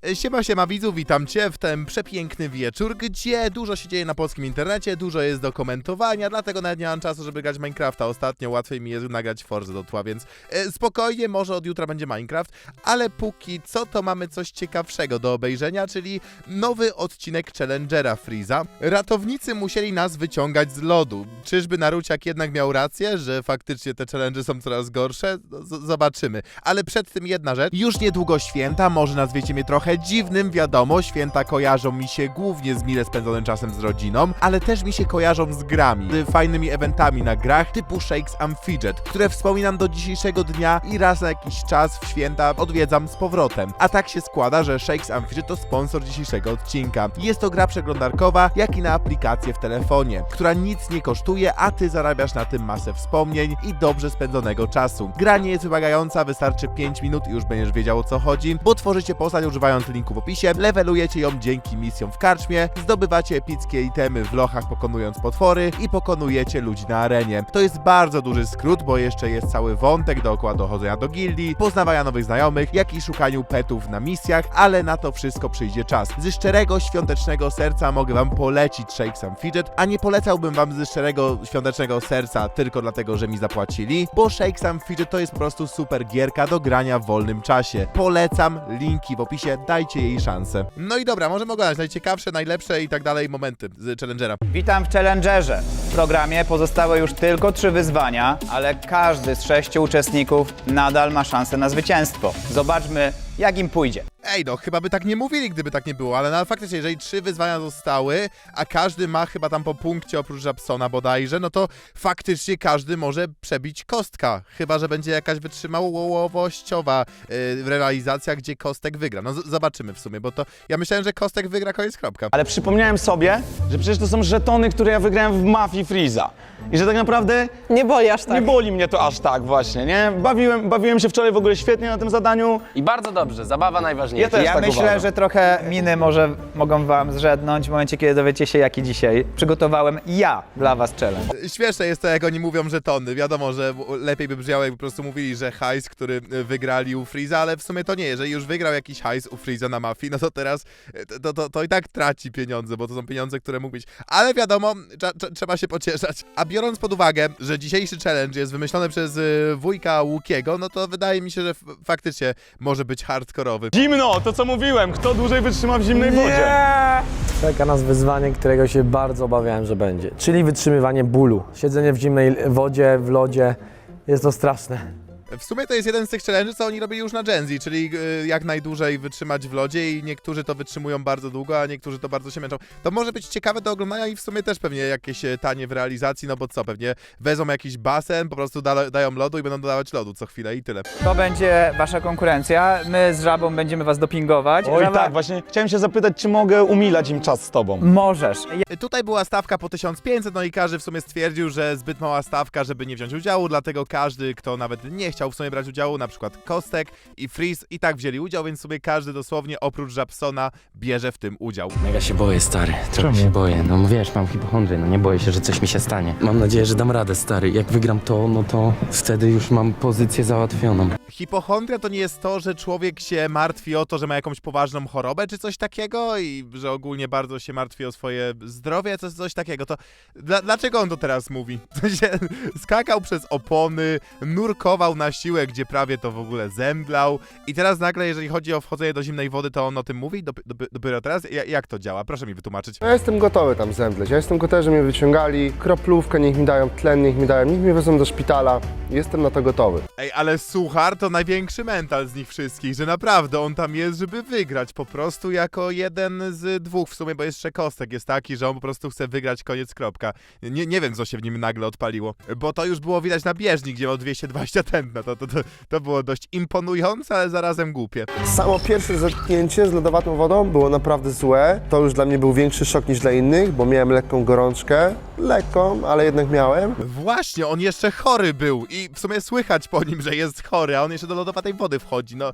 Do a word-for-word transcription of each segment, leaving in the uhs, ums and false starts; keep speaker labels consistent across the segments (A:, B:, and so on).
A: Siema, siema widzu, witam cię w ten przepiękny wieczór, gdzie dużo się dzieje na polskim internecie, dużo jest do komentowania, dlatego nawet nie mam czasu, żeby grać w Minecrafta. Ostatnio łatwiej mi jest nagrać Forzę do tła, więc e, spokojnie, może od jutra będzie Minecraft, ale póki co to mamy coś ciekawszego do obejrzenia, czyli nowy odcinek Challengera Freeza. Ratownicy musieli nas wyciągać z lodu. Czyżby Naruciak jednak miał rację, że faktycznie te challenge są coraz gorsze? Z zobaczymy. Ale przed tym jedna rzecz. Już niedługo święta, może nazwiecie mnie trochę dziwnym, wiadomo, święta kojarzą mi się głównie z mile spędzonym czasem z rodziną, ale też mi się kojarzą z grami, z fajnymi eventami na grach typu Shakes and Fidget, które wspominam do dzisiejszego dnia i raz na jakiś czas w święta odwiedzam z powrotem. A tak się składa, że Shakes and Fidget to sponsor dzisiejszego odcinka. Jest to gra przeglądarkowa, jak i na aplikację w telefonie, która nic nie kosztuje, a ty zarabiasz na tym masę wspomnień i dobrze spędzonego czasu. Gra nie jest wymagająca, wystarczy pięć minut i już będziesz wiedział, o co chodzi, bo tworzycie postać używając linku w opisie, levelujecie ją dzięki misjom w karczmie, zdobywacie epickie itemy w lochach pokonując potwory i pokonujecie ludzi na arenie. To jest bardzo duży skrót, bo jeszcze jest cały wątek dookoła dochodzenia do gildii, poznawania nowych znajomych, jak i szukaniu petów na misjach, ale na to wszystko przyjdzie czas. Ze szczerego, świątecznego serca mogę wam polecić Shakes and Fidget, a nie polecałbym wam ze szczerego, świątecznego serca tylko dlatego, że mi zapłacili, bo Shakes and Fidget to jest po prostu super gierka do grania w wolnym czasie. Polecam, linki w opisie, dajcie jej szansę. No i dobra, możemy oglądać najciekawsze, najlepsze i tak dalej momenty z Challengera.
B: Witam w Challengerze. W programie pozostały już tylko trzy wyzwania, ale każdy z sześciu uczestników nadal ma szansę na zwycięstwo. Zobaczmy, jak im pójdzie.
A: Ej, no chyba by tak nie mówili, gdyby tak nie było, ale no, faktycznie, jeżeli trzy wyzwania zostały, a każdy ma chyba tam po punkcie oprócz Japsona bodajże, no to faktycznie każdy może przebić kostka. Chyba że będzie jakaś wytrzymałowościowa yy, realizacja, gdzie Kostek wygra. No z- zobaczymy w sumie, bo to ja myślałem, że Kostek wygra, koniec, kropka.
C: Ale przypomniałem sobie, że przecież to są żetony, które ja wygrałem w Mafii Freeza. I że tak naprawdę
D: Nie boli aż tak.
C: nie boli mnie to aż tak właśnie, nie? Bawiłem, bawiłem się wczoraj w ogóle świetnie na tym zadaniu.
E: I bardzo dobrze, zabawa najważniejsza.
C: Ja też
B: Ja
C: tak
B: myślę,
C: uważam.
B: że trochę miny może mogą wam zrzednąć w momencie, kiedy dowiecie się, jaki dzisiaj przygotowałem ja dla was challenge.
A: Śmieszne jest to, jak oni mówią żetony. Wiadomo, że lepiej by brzmiało, jakby po prostu mówili, że hajs, który wygrali u Freeza, ale w sumie to nie. Jeżeli już wygrał jakiś hajs u Freeza na Mafii, no to teraz to, to, to i tak traci pieniądze, bo to są pieniądze, które mógł być. Ale wiadomo, trza, trza, trzeba się pocieszać. A biorąc pod uwagę, że dzisiejszy challenge jest wymyślony przez y, wujka Łukiego, no to wydaje mi się, że f- faktycznie może być hardkorowy.
C: Zimno, to co mówiłem, kto dłużej wytrzyma w zimnej wodzie.
F: Czeka nas wyzwanie, którego się bardzo obawiałem, że będzie, czyli wytrzymywanie bólu. Siedzenie w zimnej wodzie, w lodzie, jest to straszne.
A: W sumie to jest jeden z tych challenge'ów, co oni robili już na Gen Z, czyli y, jak najdłużej wytrzymać w lodzie i niektórzy to wytrzymują bardzo długo, a niektórzy to bardzo się męczą. To może być ciekawe do oglądania i w sumie też pewnie jakieś e, tanie w realizacji, no bo co, pewnie wezmą jakiś basen, po prostu da, dają lodu i będą dodawać lodu co chwilę i tyle.
B: To będzie wasza konkurencja. My z Żabą będziemy was dopingować.
C: Oj
B: Żaba,
C: tak, właśnie chciałem się zapytać, czy mogę umilać im czas z tobą.
B: możesz.
A: Y, Tutaj była stawka po tysiąc pięćset, no i każdy w sumie stwierdził, że zbyt mała stawka, żeby nie wziąć udziału, dlatego każdy, kto nawet nie chciał w sumie brać udziału, na przykład Kostek i Freeze i tak wzięli udział, więc sobie każdy dosłownie oprócz Japsona bierze w tym udział.
E: Mega się boję, stary. Trochę się boję. No wiesz, mam hipochondrię, no nie boję się, że coś mi się stanie. Mam nadzieję, że dam radę, stary. Jak wygram to, no to wtedy już mam pozycję załatwioną.
A: Hipochondria to nie jest to, że człowiek się martwi o to, że ma jakąś poważną chorobę czy coś takiego i że ogólnie bardzo się martwi o swoje zdrowie, coś, coś takiego. To dla, dlaczego on to teraz mówi? W sensie skakał przez opony, nurkował na siłę, gdzie prawie to w ogóle zemdlał i teraz nagle, jeżeli chodzi o wchodzenie do zimnej wody, to on o tym mówi? Dop, dop, dopiero teraz? Ja, jak to działa? Proszę mi wytłumaczyć.
G: Ja jestem gotowy tam zemdleć. Ja jestem gotowy, że mnie wyciągali. Kroplówkę niech mi dają, tlen niech mi dają, niech mnie wezmą do szpitala. Jestem na to gotowy.
A: Ej, ale Suchar to największy mental z nich wszystkich, że naprawdę on tam jest, żeby wygrać, po prostu jako jeden z dwóch w sumie, bo jeszcze Kostek jest taki, że on po prostu chce wygrać, koniec, kropka. Nie, nie wiem, co się w nim nagle odpaliło, bo to już było widać na bieżni, gdzie miał dwieście dwadzieścia tętna, to, to, to, to było dość imponujące, ale zarazem głupie.
G: Samo pierwsze zetknięcie z lodowatą wodą było naprawdę złe. To już dla mnie był większy szok niż dla innych, bo miałem lekką gorączkę. Lekką, ale jednak miałem.
A: Właśnie, on jeszcze chory był i w sumie słychać po nim, że jest chory, a on jeszcze do lodowatej wody wchodzi, no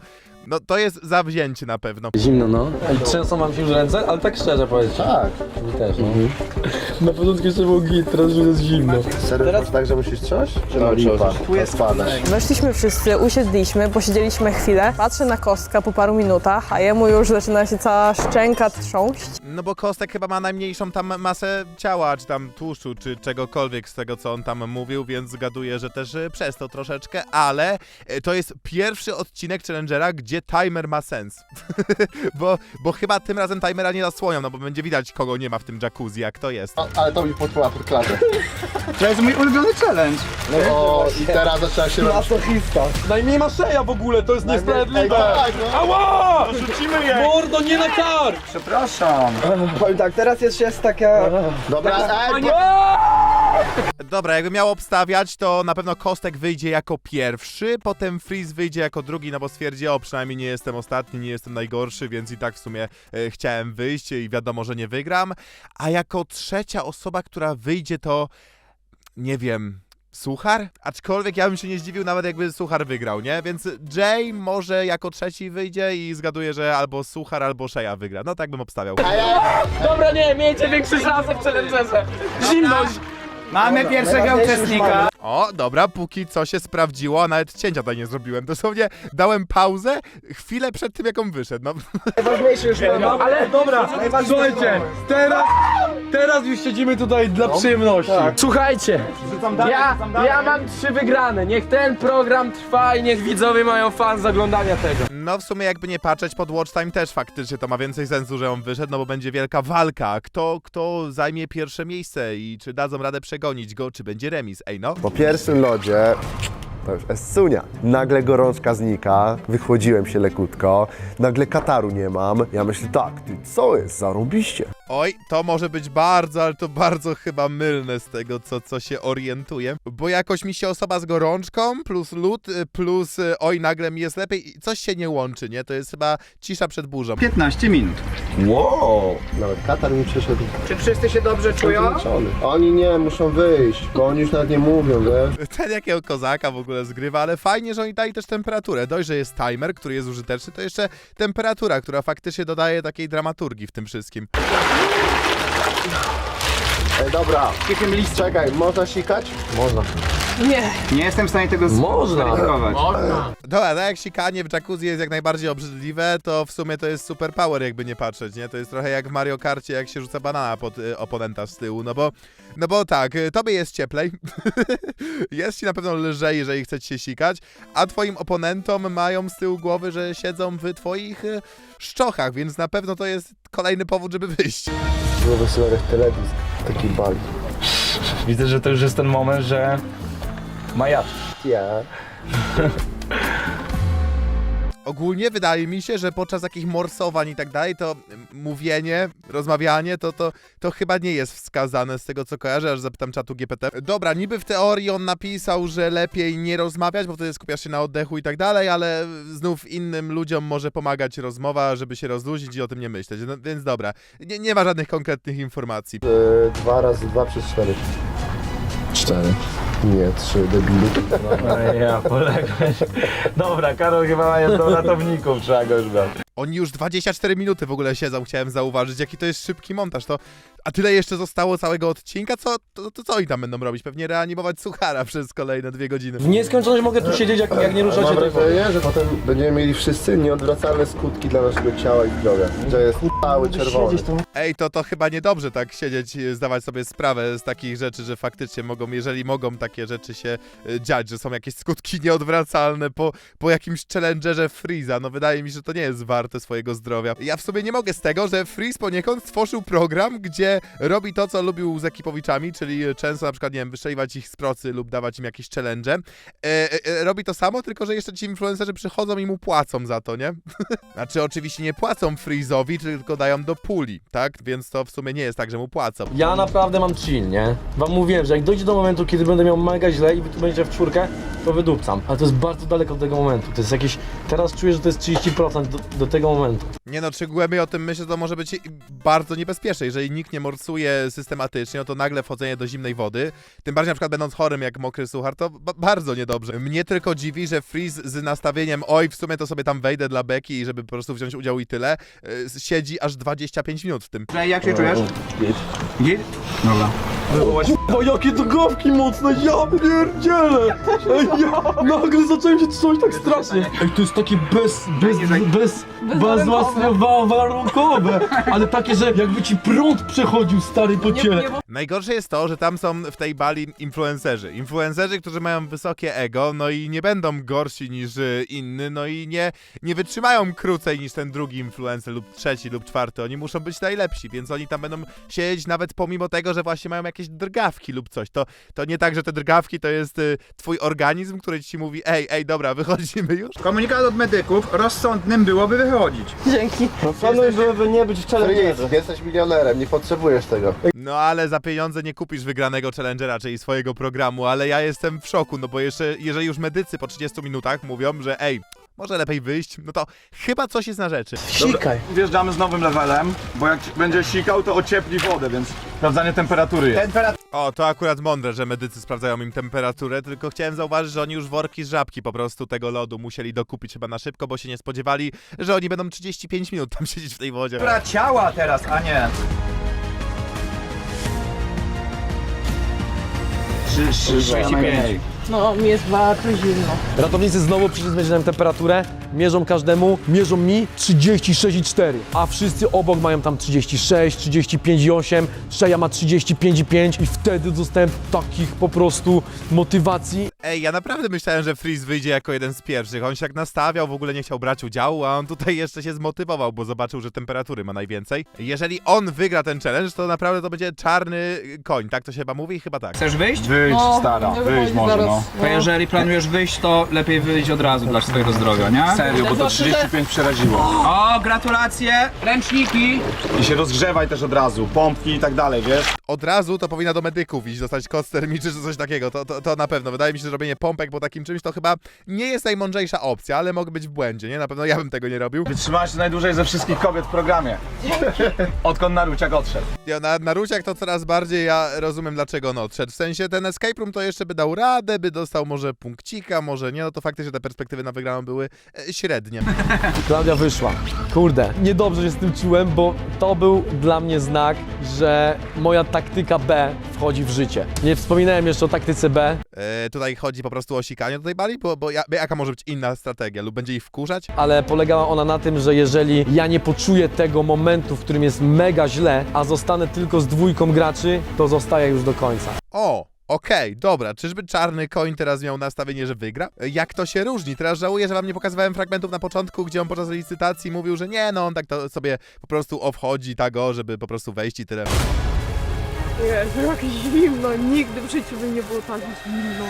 A: No to jest zawzięcie na pewno.
E: Zimno, no.
F: I trzęsą wam się już ręce, ale tak szczerze powiedzieć.
G: Tak.
F: Mi też, no. Na początku jeszcze był git, teraz już jest zimno.
G: Serio teraz... tak, że musisz coś? Czy no, lipa? Tu jest spadasz.
D: Weszliśmy wszyscy, usiedliśmy, posiedzieliśmy chwilę. Patrzę na Kostka po paru minutach, a jemu już zaczyna się cała szczęka trząść.
A: No bo Kostek chyba ma najmniejszą tam masę ciała, czy tam tłuszczu, czy czegokolwiek z tego, co on tam mówił, więc zgaduję, że też y, przez to troszeczkę, ale y, to jest pierwszy odcinek Challengera, gdzie timer ma sens. bo, bo chyba tym razem timera nie zasłonią, no bo będzie widać, kogo nie ma w tym jacuzzi, jak to jest.
G: A, ale to mi podpływa pod klatę.
B: To jest mój ulubiony challenge.
G: O, i teraz zaczęła się robić...
F: Najmniej ma szeja w ogóle, to jest
G: Ej,
F: niesprawiedliwe.
G: tak, no.
F: Ała! Rzucimy je! Mordo, nie na kar!
B: Przepraszam.
H: Powiem tak, teraz jest, jest taka...
G: Dobra, ej,
A: Dobra, jakby miał obstawiać, to na pewno Kostek wyjdzie jako pierwszy, potem Freeze wyjdzie jako drugi, no bo stwierdzi, o, przynajmniej nie jestem ostatni, nie jestem najgorszy, więc i tak w sumie e, chciałem wyjść i wiadomo, że nie wygram. A jako trzecia osoba, która wyjdzie, to nie wiem, Suchar? Aczkolwiek ja bym się nie zdziwił nawet jakby Suchar wygrał, nie? Więc Jay może jako trzeci wyjdzie i zgaduję, że albo Suchar, albo Sheja wygra. No tak bym obstawiał.
F: Dobra, nie, miejcie większe szanse w challengerze. Zimność!
B: Mamy pierwszego uczestnika.
A: O, dobra, póki co się sprawdziło, a nawet cięcia tutaj nie zrobiłem. Dosłownie dałem pauzę chwilę przed tym, jak on wyszedł. No.
H: Najważniejsze już mamy.
F: Ale dobra, słuchajcie, teraz, teraz już siedzimy tutaj dla przyjemności. Słuchajcie, ja, ja mam trzy wygrane. Niech ten program trwa i niech widzowie mają fan z oglądania tego.
A: No w sumie jakby nie patrzeć, pod Watch Time też faktycznie to ma więcej sensu, że on wyszedł, no bo będzie wielka walka. Kto, kto zajmie pierwsze miejsce i czy dadzą radę przegonić go, czy będzie remis. Ej no.
G: Po pierwszym lodzie, to już essunia, nagle gorączka znika, wychłodziłem się lekutko, nagle kataru nie mam. Ja myślę tak, ty co jest, zarobiście.
A: Oj, to może być bardzo, ale to bardzo chyba mylne z tego, co, co się orientuję. Bo jakoś mi się osoba z gorączką, plus lód, y, plus y, oj, nagle mi jest lepiej i coś się nie łączy, nie? To jest chyba cisza przed burzą.
B: piętnaście minut.
G: Wow, nawet katar mi przyszedł
B: Czy wszyscy się dobrze czują?
G: zmęczony. Oni nie, muszą wyjść, bo oni już nawet nie mówią, wiesz.
A: Ten jakiego kozaka w ogóle zgrywa, ale fajnie, że oni dali też temperaturę. Dość, że jest timer, który jest użyteczny, to jeszcze temperatura, która faktycznie dodaje takiej dramaturgii w tym wszystkim.
G: Ej, dobra, czekaj, można sikać?
F: Można.
D: Nie.
B: Nie jestem w stanie tego
F: Można.
B: zweryfikować.
A: Dobra, tak jak sikanie w jacuzzi jest jak najbardziej obrzydliwe, to w sumie to jest super power, jakby nie patrzeć, nie? To jest trochę jak w Mario Karcie, jak się rzuca banana pod y, oponenta z tyłu, no bo, no bo tak, y, tobie jest cieplej, jest ci na pewno lżej, jeżeli chcecie się sikać, a twoim oponentom mają z tyłu głowy, że siedzą w twoich y, szczochach, więc na pewno to jest kolejny powód, żeby wyjść.
G: Było wesoło jak telewizor, taki bali.
C: Widzę, że to już jest ten moment, że majaczy.
G: Ja.
A: Ogólnie wydaje mi się, że podczas takich morsowań i tak dalej, to mówienie, rozmawianie, to, to, to chyba nie jest wskazane z tego, co kojarzę, aż zapytam czatu G P T. Dobra, niby w teorii on napisał, że lepiej nie rozmawiać, bo wtedy skupiasz się na oddechu i tak dalej, ale znów innym ludziom może pomagać rozmowa, żeby się rozluźnić i o tym nie myśleć. No, więc dobra, nie, nie ma żadnych konkretnych informacji.
G: Yy, dwa razy dwa przez cztery.
C: Cztery.
G: Nie, trzy, debilu.
C: Ja poległeś. Dobra, Karol chyba ma jedną ratowników, trzeba go już brać.
A: Oni już dwadzieścia cztery minuty w ogóle siedzą, chciałem zauważyć, jaki to jest szybki montaż, to... A tyle jeszcze zostało całego odcinka, co, to, to co oni tam będą robić? Pewnie reanimować Suchara przez kolejne dwie godziny.
F: W nieskończoność mogę tu siedzieć, jak, jak nie ruszacie
G: Mam
F: tej wody.
G: wrażenie, że potem będziemy mieli wszyscy nieodwracalne skutki dla naszego ciała i zdrowia. Że jest cały czerwony.
A: Ej, to to chyba niedobrze tak siedzieć, y, zdawać sobie sprawę z takich rzeczy, że faktycznie mogą, jeżeli mogą takie rzeczy się y, dziać, że są jakieś skutki nieodwracalne po, po jakimś challengerze Freeza, no wydaje mi się, że to nie jest warte swojego zdrowia. Ja w sobie nie mogę z tego, że Freeze poniekąd stworzył program, gdzie robi to, co lubił z ekipowiczami, czyli często na przykład, nie wiem, wystrzeliwać ich z procy lub dawać im jakieś challenge. E, e, robi to samo, tylko że jeszcze ci influencerzy przychodzą i mu płacą za to, nie? Znaczy oczywiście nie płacą Freeze'owi, tylko dają do puli, tak? Więc to w sumie nie jest tak, że mu płacą.
F: Ja naprawdę mam chill, nie? Wam mówiłem, że jak dojdzie do momentu, kiedy będę miał mega źle i wy tu będziecie w czwórkę, to wydupcam. Ale to jest bardzo daleko od tego momentu. To jest jakieś... Teraz czuję, że to jest trzydzieści procent do, do tego momentu.
A: Nie no, czy głębiej o tym myślę, to może być bardzo niebezpieczne. Jeżeli nikt nie morsuje systematycznie, no to nagle wchodzenie do zimnej wody, tym bardziej na przykład będąc chorym jak mokry suchar, to ba bardzo niedobrze. Mnie tylko dziwi, że Freeze z nastawieniem oj, w sumie to sobie tam wejdę dla beki i żeby po prostu wziąć udział i tyle, yy, siedzi aż dwadzieścia pięć minut w tym.
B: Że jak się czujesz? Git. Git? Dobra.
F: O, jakie drgawki mocne, ja pierdzielę! Ej, ja nagle zacząłem się czuć tak strasznie. Ej, to jest takie bez, bez, bez, bezwarunkowe, ale takie, że jakby ci prąd przechodził stary po ciele.
A: Najgorsze jest to, że tam są w tej bali influencerzy. Influencerzy, którzy mają wysokie ego, no i nie będą gorsi niż y, inny, no i nie, nie wytrzymają krócej niż ten drugi influencer lub trzeci lub czwarty. Oni muszą być najlepsi, więc oni tam będą siedzieć nawet pomimo tego, że właśnie mają jakieś drgawki lub coś. To, to nie tak, że te drgawki to jest y, twój organizm, który ci mówi ej, ej, dobra, wychodzimy już.
B: Komunikat od medyków, rozsądnym byłoby wychodzić.
D: Dzięki.
F: No planuj, żeby nie być w challengerze.
G: Freeze, jesteś milionerem, nie potrzebujesz tego.
A: No ale za pieniądze nie kupisz wygranego challengera, czyli swojego programu, ale ja jestem w szoku, no bo jeszcze, jeżeli już medycy po trzydziestu minutach mówią, że ej, może lepiej wyjść, no to chyba coś jest na rzeczy.
F: Sikaj.
C: Wjeżdżamy z nowym levelem, bo jak będzie sikał, to ociepli wodę, więc sprawdzanie temperatury jest.
B: Temperatura
A: O, to akurat mądre, że medycy sprawdzają im temperaturę, tylko chciałem zauważyć, że oni już worki z żabki po prostu tego lodu musieli dokupić chyba na szybko, bo się nie spodziewali, że oni będą trzydzieści pięć minut tam siedzieć w tej wodzie.
B: ciała teraz, a nie.
C: trzydzieści pięć.
D: No, mi jest bardzo zimno.
F: Ratownicy znowu przyszli zmierzyć nam temperaturę, mierzą każdemu, mierzą mi trzydzieści sześć i cztery, a wszyscy obok mają tam trzydzieści sześć, trzydzieści pięć i osiem, Szeja ma trzydzieści pięć i pięć i wtedy dostałem takich po prostu motywacji.
A: Ej, ja naprawdę myślałem, że Freeze wyjdzie jako jeden z pierwszych. On się tak nastawiał, w ogóle nie chciał brać udziału, a on tutaj jeszcze się zmotywował, bo zobaczył, że temperatury ma najwięcej. Jeżeli on wygra ten challenge, to naprawdę to będzie czarny koń, tak to się chyba mówi? Chyba tak.
B: Chcesz wyjść?
C: Wyjść, stara, wyjść może, no.
B: To jeżeli planujesz wyjść, to lepiej wyjść od razu dla swojego zdrowia, nie?
C: Serio, bo to trzydzieści pięć przeraziło.
B: O, gratulacje! Ręczniki!
C: I się rozgrzewaj też od razu, pompki i tak dalej, wiesz?
A: Od razu to powinna do medyków iść, dostać koc termiczny czy coś takiego, to, to, to na pewno. Wydaje mi się, że robienie pompek po takim czymś to chyba nie jest najmądrzejsza opcja, ale mogę być w błędzie, nie? Na pewno ja bym tego nie robił.
C: Wytrzymałaś się najdłużej ze wszystkich kobiet w programie. Odkąd Naruciak odszedł.
A: Ja, na, na Ruciak to coraz bardziej ja rozumiem, dlaczego on odszedł. W sensie ten escape room to jeszcze by dał radę, by dostał może punkcika, może nie, no to faktycznie te perspektywy na wygraną były e, średnie.
F: Klaudia wyszła. Kurde, niedobrze się z tym czułem, bo to był dla mnie znak, że moja taktyka B wchodzi w życie. Nie wspominałem jeszcze o taktyce B,
A: E, tutaj chodzi po prostu o sikanie do tej bali, bo, bo ja, jaka może być inna strategia? Lub będzie ich wkurzać?
F: ale polegała ona na tym, że jeżeli ja nie poczuję tego momentu, w którym jest mega źle, a zostanę tylko z dwójką graczy, to zostaję już do końca.
A: O! Okej, dobra, czyżby czarny koń teraz miał nastawienie, że wygra? E, Jak to się różni? Teraz żałuję, że wam nie pokazywałem fragmentów na początku, gdzie on podczas licytacji mówił, że nie, no on tak to sobie po prostu obchodzi tak o, żeby po prostu wejść i tyle.
D: Jezu, jak zimno, nigdy w życiu by nie było tak zimno.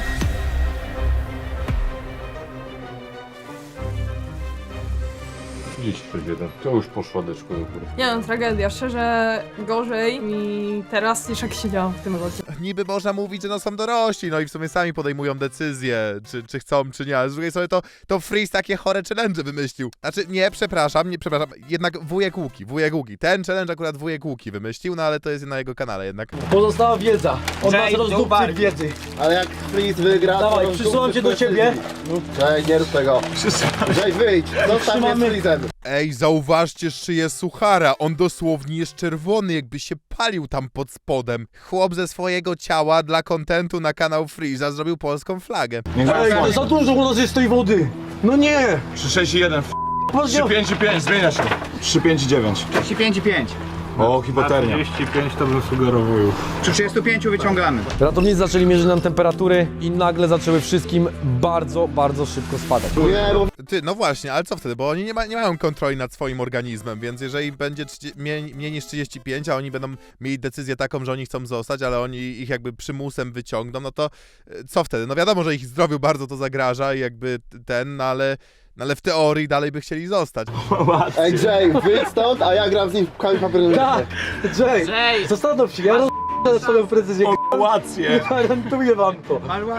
I: trzydzieści jeden. To już poszła deczko do góry.
D: Nie no, tragedia, szczerze gorzej mi teraz niż jak siedziałam w tym locie.
A: Niby można mówić, że no są dorośli, no i w sumie sami podejmują decyzje, czy, czy chcą, czy nie, ale z drugiej strony to, to Freeze takie chore challenge wymyślił. Znaczy, nie, przepraszam, nie, przepraszam, jednak wujek Łuki, wujek Łuki. Ten challenge akurat wujek Łuki wymyślił, no ale to jest na jego kanale jednak.
F: Pozostała wiedza. Od nas
B: Jay,
F: rozdupcy
B: Dubar.
F: wiedzy.
G: Ale jak Freeze wygra,
F: Dawaj,
G: to...
F: przysyłam cię do ciebie.
G: Ej, nie rób tego. Ej, wyjdź, zostaw mnie z Freezem.
A: Ej, zauważcie szyję suchara, on dosłownie jest czerwony, jakby się palił tam pod spodem. Chłop ze swojego ciała dla kontentu na kanał Freeza zrobił polską flagę.
F: Ej, za dużo u nas jest tej wody. No nie.
C: trzy sześć jeden, trzy pięć pięć, zmienia się. trzy pięć dziewięć.
B: trzydzieści pięć i pięć.
C: O, hipotermia.
I: trzydzieści pięć to bym sugerował już.
B: Przy trzydziestu pięciu wyciągamy.
F: Ratownicy zaczęli mierzyć nam temperatury i nagle zaczęły wszystkim bardzo, bardzo szybko spadać.
G: Nie, bo
A: Ty, no właśnie, ale co wtedy? Bo oni nie, ma, nie mają kontroli nad swoim organizmem, więc jeżeli będzie trzydzieści, mniej, mniej niż trzydzieści pięć, a oni będą mieli decyzję taką, że oni chcą zostać, ale oni ich jakby przymusem wyciągną, no to e, co wtedy? No wiadomo, że ich zdrowiu bardzo to zagraża i jakby ten, no ale, no ale w teorii dalej by chcieli zostać.
G: Ej, Jay, wyjdź stąd, a ja gram z nim w kamień papier nożyce.
F: Tak, Jay, Jay, zastanów się, ja roz...
H: swoją precyzję.
C: Łację.
H: Gwarantuję wam to.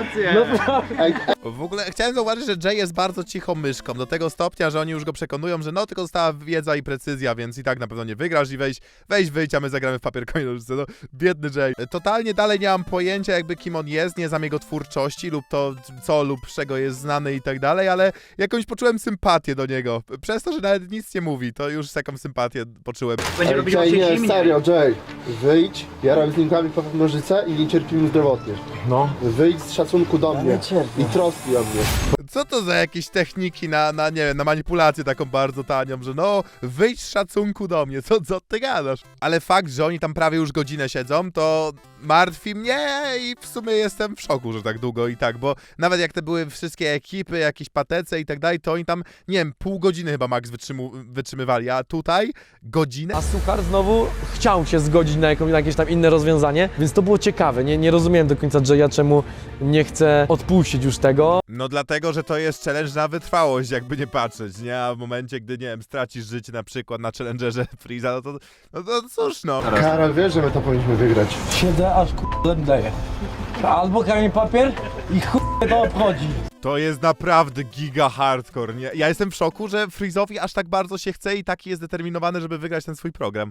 A: W ogóle chciałem zauważyć, że Jay jest bardzo cichą myszką, do tego stopnia, że oni już go przekonują, że no tylko została wiedza i precyzja, więc i tak na pewno nie wygrasz i weź, weź wyjdź, a my zagramy w papier, kamień, nożyce. No, biedny Jay. Totalnie dalej nie mam pojęcia jakby kim on jest, nie znam jego twórczości lub to co lub z czego jest znany i tak dalej, ale jakąś poczułem sympatię do niego. Przez to, że nawet nic nie mówi, to już taką sympatię poczułem.
B: Będzie robić
G: Jay,
B: oczy
G: nie,
B: zimnie.
G: serio, Jay. Wyjdź, ja robię z linkami po nożyce i nie cierpimy zdrowotnie.
C: No.
G: Wyjdź z szacunku do mnie i troski o mnie.
A: Co to za jakieś techniki na, na nie wiem, na manipulację taką bardzo tanią, że no, wyjdź z szacunku do mnie, co, co ty gadasz? Ale fakt, że oni tam prawie już godzinę siedzą, to martwi mnie i w sumie jestem w szoku, że tak długo i tak, bo nawet jak te były wszystkie ekipy, jakieś patece i tak dalej, to oni tam, nie wiem, pół godziny chyba max wytrzymu, wytrzymywali, a tutaj godzinę?
F: A Suchar znowu chciał się zgodzić na, jakąś, na jakieś tam inne rozwiązanie, więc to było ciekawe. Nie, nie rozumiem do końca Jaya, czemu nie chce odpuścić już tego.
A: No dlatego, że to jest challenge na wytrwałość, jakby nie patrzeć, nie? A w momencie, gdy, nie wiem, stracisz życie na przykład na challengerze Freeza, no to, no to cóż no.
G: Karol, wiesz, że my to powinniśmy wygrać.
H: Siedzę aż k***a daję. Albo kamień papier i chuj to obchodzi.
A: To jest naprawdę giga hardcore, nie? Ja jestem w szoku, że Freeze'owi aż tak bardzo się chce i taki jest zdeterminowany, żeby wygrać ten swój program.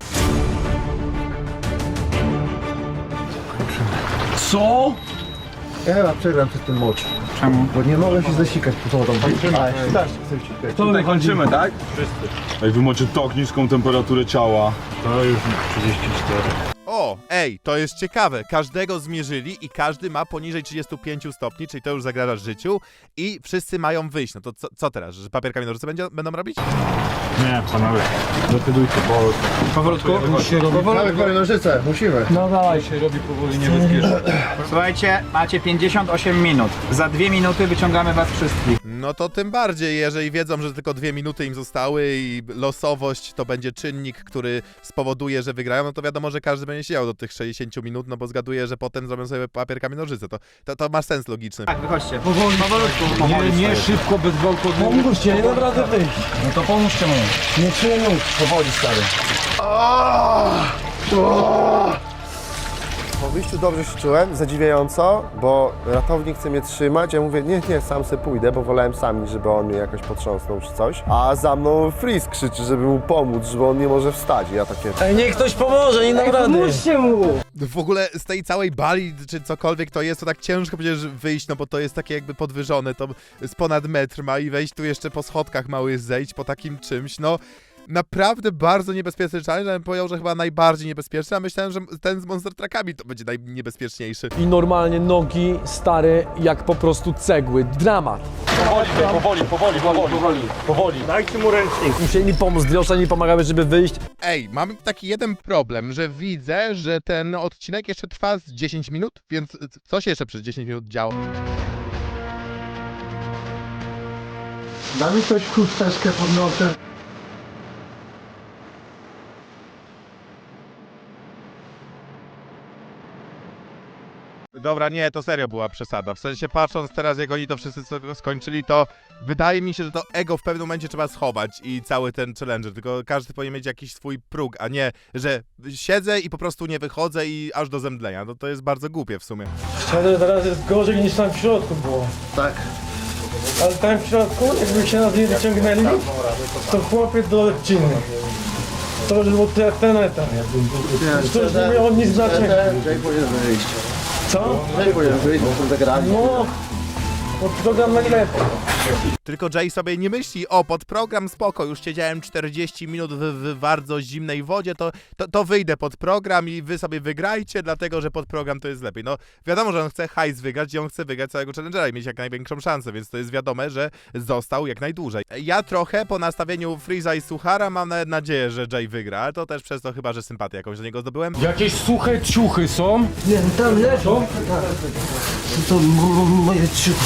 C: Co?
G: Ja chyba przegram przez ten mocz. Czemu? Bo nie mogę się zasikać po wodą.
C: To my kończymy, tak?
I: Ej, wy macie tak niską temperaturę ciała. To już trzydzieści cztery.
A: O, ej, to jest ciekawe. Każdego zmierzyli i każdy ma poniżej trzydziestu pięciu stopni, czyli to już zagraża życiu i wszyscy mają wyjść. No to co, co teraz? Że papier, kamień, nożyce będzie, będą robić?
I: Nie, panowie, decydujcie, bo...
H: Powolutku?
G: Mamy parę nożyce, musimy.
H: No dawaj.
I: się robi powoli niebezpiecznie.
B: Słuchajcie, macie pięćdziesiąt osiem minut. Za dwie minuty wyciągamy was wszystkich.
A: No to tym bardziej, jeżeli wiedzą, że tylko dwie minuty im zostały i losowość to będzie czynnik, który spowoduje, że wygrają, no to wiadomo, że każdy będzie siedział do tych sześćdziesięciu minut, no bo zgaduję, że potem zrobią sobie papier, kamień, nożyce. To, to, to ma sens logiczny.
B: Tak, wychodźcie. Powoli. Powolutku. Powoli
I: Nie, nie
B: stary.
I: szybko, bez gwałtownego.
H: Pomóżcie, nie dam rady wyjść.
C: No to pomóżcie mu.
H: Nie czuję nóg.
C: Powoli, stary.
G: Po wyjściu dobrze się czułem, zadziwiająco, bo ratownik chce mnie trzymać, ja mówię, nie, nie, sam se pójdę, bo wolałem sam, żeby on mnie jakoś potrząsnął czy coś. A za mną Freeze krzyczy, żeby mu pomóc, że on nie może wstać. I ja takie...
H: Ej, niech ktoś pomoże, nie dam rady. Pomóżcie mu.
A: W ogóle z tej całej bali, czy cokolwiek to jest, to tak ciężko przecież wyjść, no bo to jest takie jakby podwyżone, to z ponad metr ma i wejść tu jeszcze po schodkach mały zejść po takim czymś, no... Naprawdę bardzo niebezpieczny challenge, ja bym powiedział, że chyba najbardziej niebezpieczny, a myślałem, że ten z Monster Truckami to będzie najniebezpieczniejszy.
F: I normalnie nogi, stary, jak po prostu cegły. Dramat.
C: Powoli, powoli, powoli, powoli, powoli, powoli. Dajcie mu ręcznik.
F: Musieli pomóc, dwie osoby mi pomagały, żeby wyjść.
A: Ej, mam taki jeden problem, że widzę, że ten odcinek jeszcze trwa z dziesięć minut, więc co się jeszcze przez dziesięć minut działo?
G: Da mi ktoś chusteczkę pod nosem.
A: Dobra, nie, to serio była przesada. W sensie patrząc teraz, jak oni to wszyscy so- skończyli, to wydaje mi się, że to ego w pewnym momencie trzeba schować i cały ten challenger, tylko każdy powinien mieć jakiś swój próg, a nie, że siedzę i po prostu nie wychodzę i aż do zemdlenia. No to jest bardzo głupie w sumie.
H: Szczerze, teraz jest gorzej niż tam w środku było.
G: Tak.
H: Ale tam w środku, jakby się nas nie wyciągnęli, to chłopie do odciny. To już był te- ten etap. To już nie miało nic znaczenia.
G: Jay powinien wyjść.
H: Co?
G: Jay powinien wyjść, bo są zagrani.
H: No, bo program najlepiej.
A: Tylko Jay sobie nie myśli, o, pod program spoko, już siedziałem czterdzieści minut w, w bardzo zimnej wodzie, to, to, to wyjdę pod program i wy sobie wygrajcie, dlatego że pod program to jest lepiej. No wiadomo, że on chce hajs wygrać i on chce wygrać całego challengera i mieć jak największą szansę, więc to jest wiadome, że został jak najdłużej. Ja trochę po nastawieniu Freeza i Suchara mam nawet nadzieję, że Jay wygra, ale to też przez to chyba, że sympatię jakąś do niego zdobyłem.
I: Jakieś suche ciuchy są?
H: Nie, tam leżą. To moje ciuchy.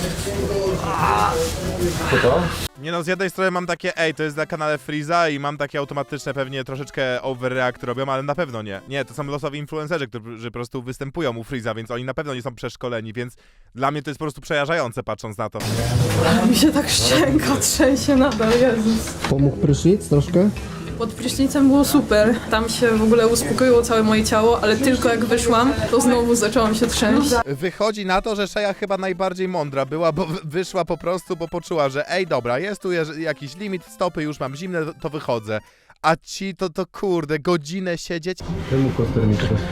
A: Nie no, z jednej strony mam takie, ej, to jest na kanale Freeza i mam takie automatyczne pewnie troszeczkę overreact robią, ale na pewno nie. Nie, to są losowi influencerzy, którzy po prostu występują u Freeza, więc oni na pewno nie są przeszkoleni, więc dla mnie to jest po prostu przejażające patrząc na to.
D: Mi się tak szczęka trzęsie nadal, Jezus.
J: Pomógł prysznic troszkę?
D: Pod prysznicem było super, tam się w ogóle uspokoiło całe moje ciało, ale tylko jak wyszłam, to znowu zaczęłam się trzęść.
A: Wychodzi na to, że Szeja chyba najbardziej mądra była, bo wy- wyszła po prostu, bo poczuła, że ej, dobra, jest tu jeż- jakiś limit, stopy, już mam zimne, to wychodzę. A ci to, to kurde, godzinę siedzieć.
J: Temu koster mi teraz.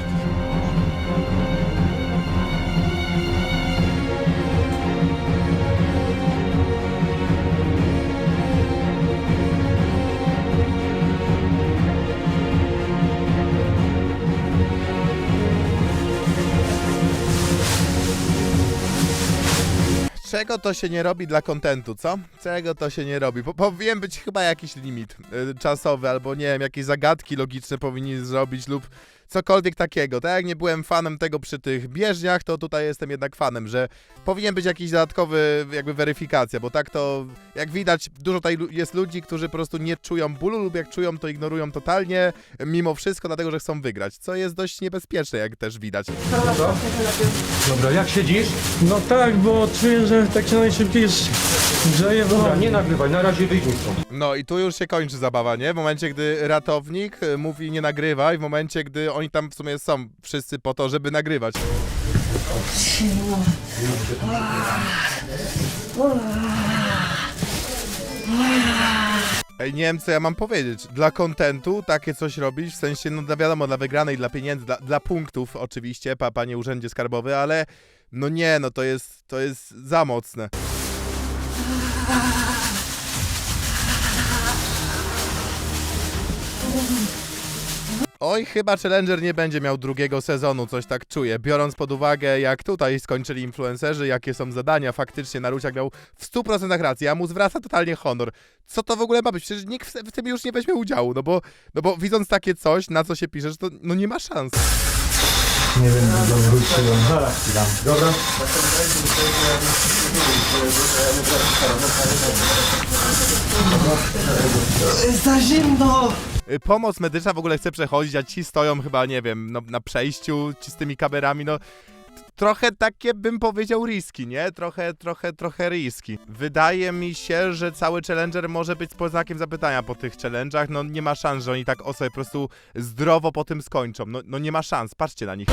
A: Czego to się nie robi dla kontentu, co? Czego to się nie robi? Po, powinien być chyba jakiś limit y, czasowy, albo nie wiem, jakieś zagadki logiczne powinni zrobić lub cokolwiek takiego. Tak jak nie byłem fanem tego przy tych bieżniach, to tutaj jestem jednak fanem, że powinien być jakiś dodatkowy jakby weryfikacja, bo tak to, jak widać, dużo tutaj lu- jest ludzi, którzy po prostu nie czują bólu lub jak czują, to ignorują totalnie, mimo wszystko, dlatego, że chcą wygrać, co jest dość niebezpieczne, jak też widać.
H: Dobra, jak siedzisz? No tak, bo czuję, że tak się najszybciej grzeje. Dobra, nie nagrywaj, na razie wyjdźmy stąd.
A: No i tu już się kończy zabawa, nie? W momencie, gdy ratownik y, mówi nie nagrywaj, w momencie, gdy oni tam w sumie są wszyscy po to, żeby nagrywać. Ej, nie wiem, co ja mam powiedzieć. Dla kontentu takie coś robić, w sensie, no dla- wiadomo, dla wygranej, dla pieniędzy, dla, dla punktów oczywiście, pa, panie urzędzie skarbowy, ale no nie, no to jest, to jest za mocne. Oj, chyba Challenger nie będzie miał drugiego sezonu, coś tak czuję. Biorąc pod uwagę, jak tutaj skończyli influencerzy, jakie są zadania, faktycznie Naruciak miał w stu procentach rację, a mu zwraca totalnie honor. Co to w ogóle ma być? Przecież nikt w, w tym już nie weźmie udziału, no bo, no bo widząc takie coś, na co się piszesz, to no nie ma szans.
H: Nie wiem, co wróciłem. Zaraz ci dam. Dobra?
J: Za zimno!
A: Y, Pomoc medyczna w ogóle chce przechodzić, a ci stoją chyba, nie wiem, no, na przejściu, ci z tymi kamerami, no t- trochę takie bym powiedział riski, nie? Trochę, trochę, trochę riski. Wydaje mi się, że cały Challenger może być pod znakiem zapytania po tych challenge'ach, no nie ma szans, że oni tak o sobie po prostu zdrowo po tym skończą, no, no nie ma szans, patrzcie na nich.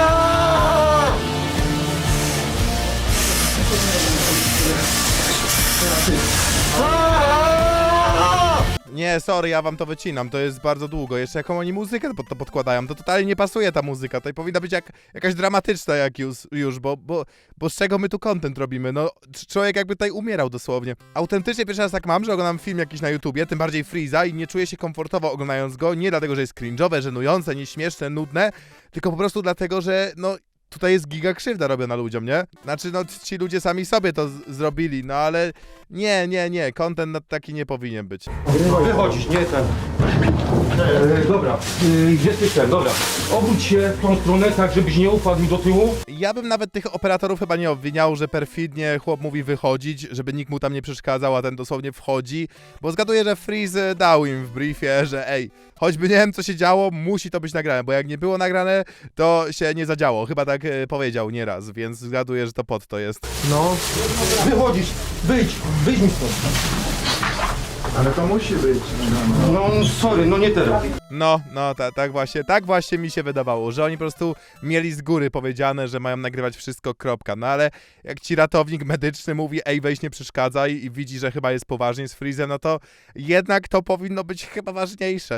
A: Nie, sorry, ja wam to wycinam, to jest bardzo długo. Jeszcze jaką oni muzykę pod to podkładają, to totalnie nie pasuje ta muzyka. Tutaj powinna być jak, jakaś dramatyczna jak już, już bo, bo, bo z czego my tu content robimy? No, c- człowiek jakby tutaj umierał dosłownie. Autentycznie pierwszy raz tak mam, że oglądam film jakiś na YouTubie, tym bardziej Freeza i nie czuję się komfortowo oglądając go, nie dlatego, że jest cringe'owe, żenujące, nieśmieszne, nudne, tylko po prostu dlatego, że no... Tutaj jest giga krzywda robiona ludziom, nie? Znaczy, no ci ludzie sami sobie to z- zrobili, no ale nie, nie, nie, content na taki nie powinien być.
H: Wychodzisz, nie ten. E, dobra, e, gdzie ty ten? Dobra. Obudź się w tą stronę, tak żebyś nie upadł mi do tyłu.
A: Ja bym nawet tych operatorów chyba nie obwiniał, że perfidnie chłop mówi wychodzić, żeby nikt mu tam nie przeszkadzał, a ten dosłownie wchodzi, bo zgaduję, że Freeze dał im w briefie, że ej, choćby nie wiem co się działo, musi to być nagrane, bo jak nie było nagrane, to się nie zadziało. Chyba tak e, powiedział nieraz, więc zgaduję, że to pod to jest.
H: No. Wychodzisz, wyjdź, wyjdź mi stąd.
G: Ale to musi być.
H: No, sorry, no nie teraz.
A: No, no, ta, tak właśnie, tak właśnie mi się wydawało, że oni po prostu mieli z góry powiedziane, że mają nagrywać wszystko, kropka. No ale jak ci ratownik medyczny mówi, ej, weź nie przeszkadzaj i widzi, że chyba jest poważnie z Freezem, no to jednak to powinno być chyba ważniejsze.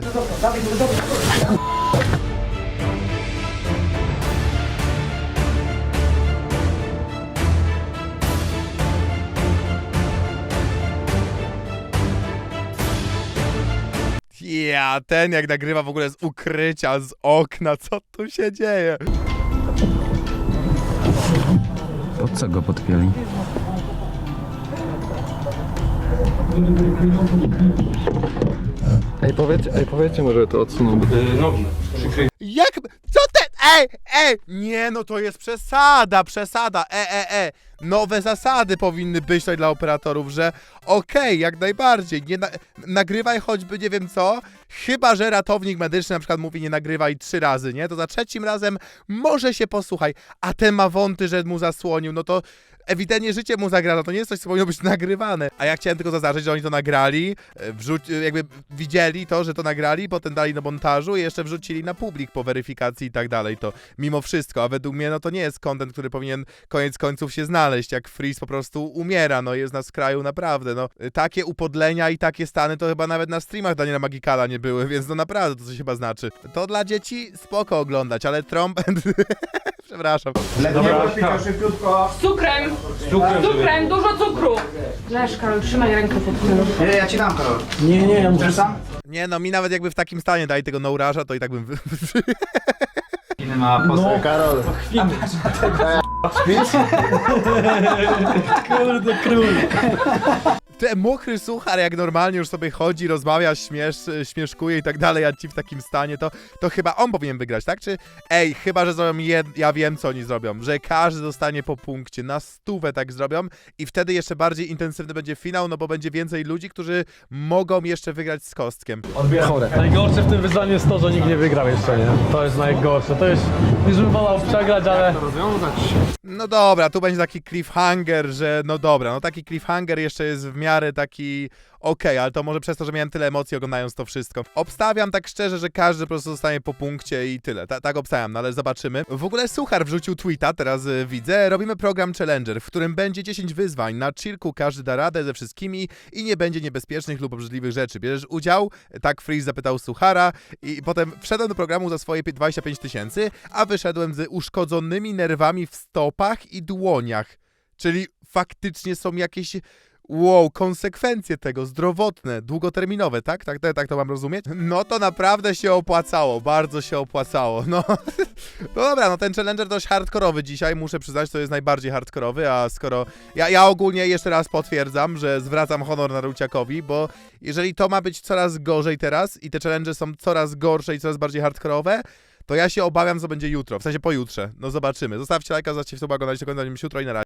A: Ja, ten jak nagrywa w ogóle z ukrycia, z okna, co tu się dzieje?
E: Po co go podpięli?
J: Ej, powiedzcie, ej, powiedzcie może to odsuną.
H: E, nogi. Przykryj.
A: Jak? Co ten? ej, ej! Nie, no to jest przesada, przesada, e, e, e. Nowe zasady powinny być tutaj dla operatorów, że okej, jak najbardziej, nie na, nagrywaj choćby nie wiem co, chyba że ratownik medyczny na przykład mówi nie nagrywaj trzy razy, nie? To za trzecim razem może się posłuchaj, a ten ma wąty, że mu zasłonił, no to ewidentnie życie mu zagraża, to nie jest coś, co powinno być nagrywane. A ja chciałem tylko zaznaczyć, że oni to nagrali, wrzuci, jakby widzieli to, że to nagrali, potem dali do montażu i jeszcze wrzucili na publik po weryfikacji i tak dalej, to mimo wszystko, a według mnie no to nie jest content, który powinien koniec końców się znaleźć, jak Freeze po prostu umiera, no jest na skraju naprawdę, no takie upodlenia i takie stany to chyba nawet na streamach Daniela Magikala nie były, więc no naprawdę to coś chyba znaczy. To dla dzieci spoko oglądać, ale trąb... Przepraszam.
D: Z cukrem! Z cukrem, cukrem dużo cukru! Leż, Karol, trzymaj rękę pod tym.
B: Nie, ja ci dam, Karol.
H: Nie, nie, ja muszę
B: Chcesz sam?
A: Nie no, mi nawet jakby w takim stanie dali tego no-raża, to i tak bym... wy-
B: Inny ma postać.
G: Karol.
H: kurde król.
A: Ten mokry suchar, jak normalnie już sobie chodzi, rozmawia, śmiesz, śmieszkuje i tak dalej, a ci w takim stanie, to, to chyba on powinien wygrać, tak? Czy, ej, chyba, że zrobią jed... ja wiem, co oni zrobią, że każdy dostanie po punkcie, na stówę tak zrobią i wtedy jeszcze bardziej intensywny będzie finał, no bo będzie więcej ludzi, którzy mogą jeszcze wygrać z kostkiem.
H: Chore. Najgorsze w tym wyzwaniu jest to, że nikt nie wygrał jeszcze, nie? To jest najgorsze. To jest, już bym wolał przegrać, ale...
A: No dobra, tu będzie taki cliffhanger, że no dobra, no taki cliffhanger jeszcze jest w miarę taki okej, ale to może przez to, że miałem tyle emocji oglądając to wszystko. Obstawiam tak szczerze, że każdy po prostu zostanie po punkcie i tyle. Ta, tak obstawiam, no ale zobaczymy. W ogóle Suchar wrzucił tweeta, teraz y, widzę. Robimy program Challenger, w którym będzie dziesięć wyzwań. Na chillku każdy da radę ze wszystkimi i nie będzie niebezpiecznych lub obrzydliwych rzeczy. Bierzesz udział? Tak Freeze zapytał Suchara i potem wszedłem do programu za swoje dwadzieścia pięć tysięcy, a wyszedłem z uszkodzonymi nerwami w stopach i dłoniach. Czyli faktycznie są jakieś... Wow, konsekwencje tego, zdrowotne, długoterminowe, tak? Tak, tak? Tak to mam rozumieć? No to naprawdę się opłacało, bardzo się opłacało, no. No dobra, no ten challenger dość hardkorowy dzisiaj, muszę przyznać, to jest najbardziej hardkorowy, a skoro... Ja, ja ogólnie jeszcze raz potwierdzam, że zwracam honor Naruciakowi, bo jeżeli to ma być coraz gorzej teraz i te challenge są coraz gorsze i coraz bardziej hardkorowe, to ja się obawiam, co będzie jutro, w sensie pojutrze. No zobaczymy. Zostawcie lajka, zostawcie suba, oglądajcie do końca, jutro i na razie.